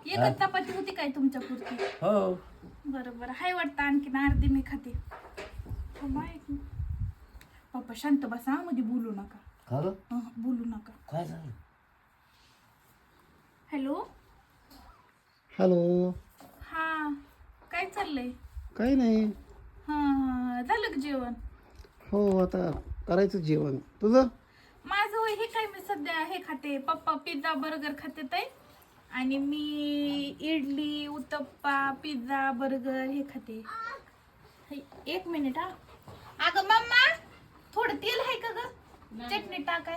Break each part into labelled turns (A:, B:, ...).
A: एकच चपाती होती काय तुमच्या पुरती?
B: हो.
A: बरोबर हाय वाटतं, आणखीन अर्धी मी खाते. हो माय, पप्पा शांत बसा, मध्ये बोलू नका.
B: खरं
A: बोलू नका.
B: काय झालं?
A: हॅलो.
C: हॅलो.
A: हा, काय चाललंय?
C: काही नाही.
A: हा, झालं का जेवण?
C: हो, आता करायचं जेवण. तुझं?
A: माझं होय, हे काय मी सध्या हे खाते, पप्पा पिझ्झा बर्गर खाते ते, आणि मी इडली उत्तप्पा पिझ्झा बर्गर हे खाते. एक मिनिट हा. अगं मम्मा, थोडं तेल आहे का ग? चटणी टाकाय.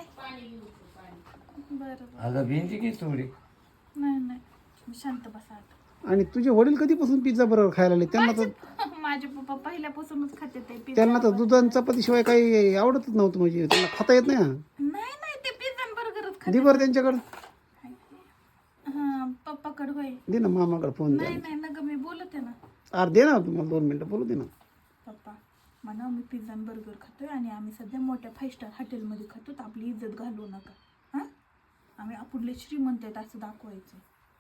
A: बरं.
B: अगं भिंती की थोडी.
A: नाही शांत बसा आता.
C: आणि तुझे वडील कधीपासून पिझ्झा बरोबर खायला लागले? त्यांना तर
A: माझे पप्पा पहिल्यापासूनच खाते ते पिझ्झा.
C: त्यांना तर दूध आणि चपातीशिवाय काही आवडतच नव्हतं, म्हणजे त्यांना खाता येत नाही.
A: नाही ते पिझ्झा बर्गरच खाते.
C: दे बरं त्यांच्याकडं.
A: हा, पप्पाकडे होय.
C: दे ना, मामाकडे फोन द्या.
A: नाही ना ग, मी बोलते ना.
C: अरे दे ना, तुम्हाला 2 मिनिटं बोलू दे ना.
A: पप्पा म्हणा, मी पिझ्झा आणि बर्गर खातोय आणि आम्ही सध्या मोठ्या 5 स्टार हॉटेलमध्ये खातो, तर आपली इज्जत घालवू नका. हां, आम्ही आपले श्रीमंत आहेत असं दाखवायचं.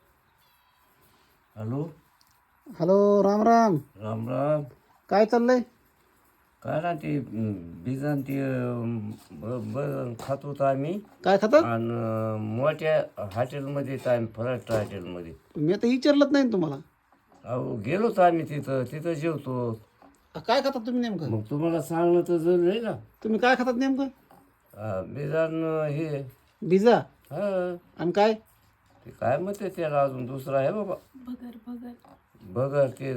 B: हॅलो.
C: हॅलो, राम राम.
B: राम राम.
C: काय चाललंय?
B: काय ना ते बिझा ते खात होतो आम्ही.
C: काय खातात?
B: आणि मोठ्या हॉटेलमध्ये आम्ही फराट हॉटेलमध्ये.
C: मी आता विचारलंच नाही ना तुम्हाला.
B: अहो गेलोच आम्ही तिथं जेवतो.
C: काय खातात तुम्ही नेमकं?
B: मग तुम्हाला सांगणं तर जरूर आहे ना.
C: तुम्ही काय खातात नेमकं?
B: बिझा हे.
C: पिझ्झा
B: हा,
C: आणि काय?
B: ते काय म्हणते त्याला, अजून दुसरा आहे बाबा.
A: भगर
B: बघा ते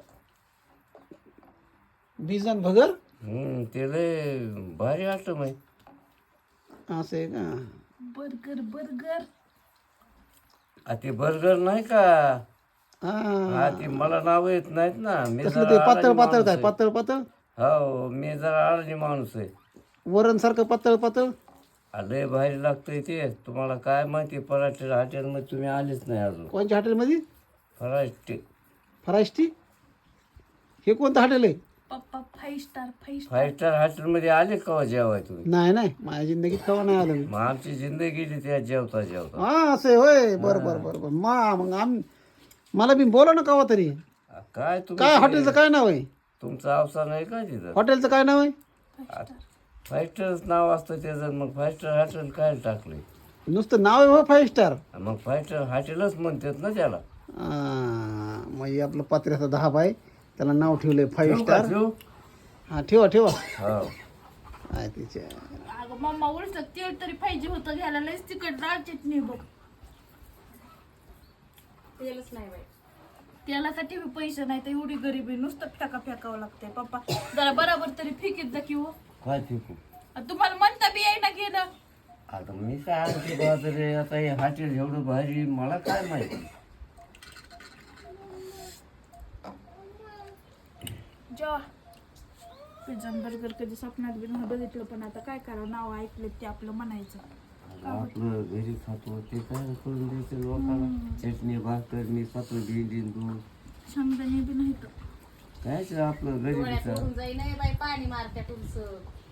C: पिझ्झा आणि भगर.
B: ते लय भारी आयटम आहे.
C: असं आहे का?
A: बर्गर
B: ते बर्गर नाही का?
C: हा,
B: ते मला नाव येत नाहीत ना. मी
C: कसलं ते
B: जरा
C: पातळ
B: अडाणी
C: पातळ
B: माणूस
C: काय?
B: आहे.
C: पातळ पातळ
B: हो, मी जरा अडाणी माणूस आहे.
C: वरण सारखं पातळ पातळ.
B: लय भारी लागतंय ते. तुम्हाला काय माहिती, पराठे हॉटेलमध्ये तुम्ही आलेच नाही अजून.
C: कोणत्या हॉटेलमध्ये?
B: फराटे.
C: फराष्टी. हे कोणतं हॉटेल आहे?
A: पप्पा 5 स्टार 5 स्टार.
B: 5 स्टार हॉटेलमध्ये आले का जेवाय तुम्ही?
C: नाही, माझ्या जिंदगीत कवा नाही आलं मी.
B: मग आमची जिंदगी गेली त्या जेवता.
C: हा, असं आहे होय. बरं. मग मला बी बोला ना कवा तरी.
B: काय तुम्ही
C: काय हॉटेलचं काय नाव आहे?
B: तुमचं अवसान आहे का तिथं?
C: हॉटेलचं काय नाव आहे?
B: 5 स्टारच नाव असतं त्याचं. मग 5 स्टार हॉटेल काय टाकले?
C: नुसतं नाव आहे हो 5 स्टार.
B: मग 5 स्टार हॉटेलच म्हणतात ना त्याला.
C: म्हणजे आपलं पत्र्याचा 10 बाय, त्याला नाव ठेवलंय 5 स्टार.
B: ठेवू?
C: हा, ठेवा.
B: हो.
C: काय तिच्या.
A: अगं मम्मा, उलट तेल तरी पाहिजे होतं घ्यायला, लयच तिखट डाळ चटणी बघ. तेलच नाही बाई. तेलासाठी बी पैसे नाही, तर एवढी गरिबी, नुसतं फेकावं लागतंय. पप्पा जरा बरोबर तरी फेकीत जा की हो.
B: काय फेकू?
A: तुम्हाला म्हणता बी येईना गेलं.
B: आता मी काय आणते बाजरे, आता हे हॉटेल एवढं भारी, मला काय माहिती.
A: जेव्हा पिझ्झा बर्गर कधी स्वप्नात बी नाही बघितलं, पण आता काय करा, नाव ऐकलं ते आपलं म्हणायचं.
B: आपलं घरी खातो ते काय करून द्यायचं लोकांना. चटणी भाकर मी स्वतः भेंडीन दूध
A: शेंगदाणे बी नाही तर
B: कायच आपलं घरी
D: जाई नाही बाई, पाणी मारत्या तुमचं.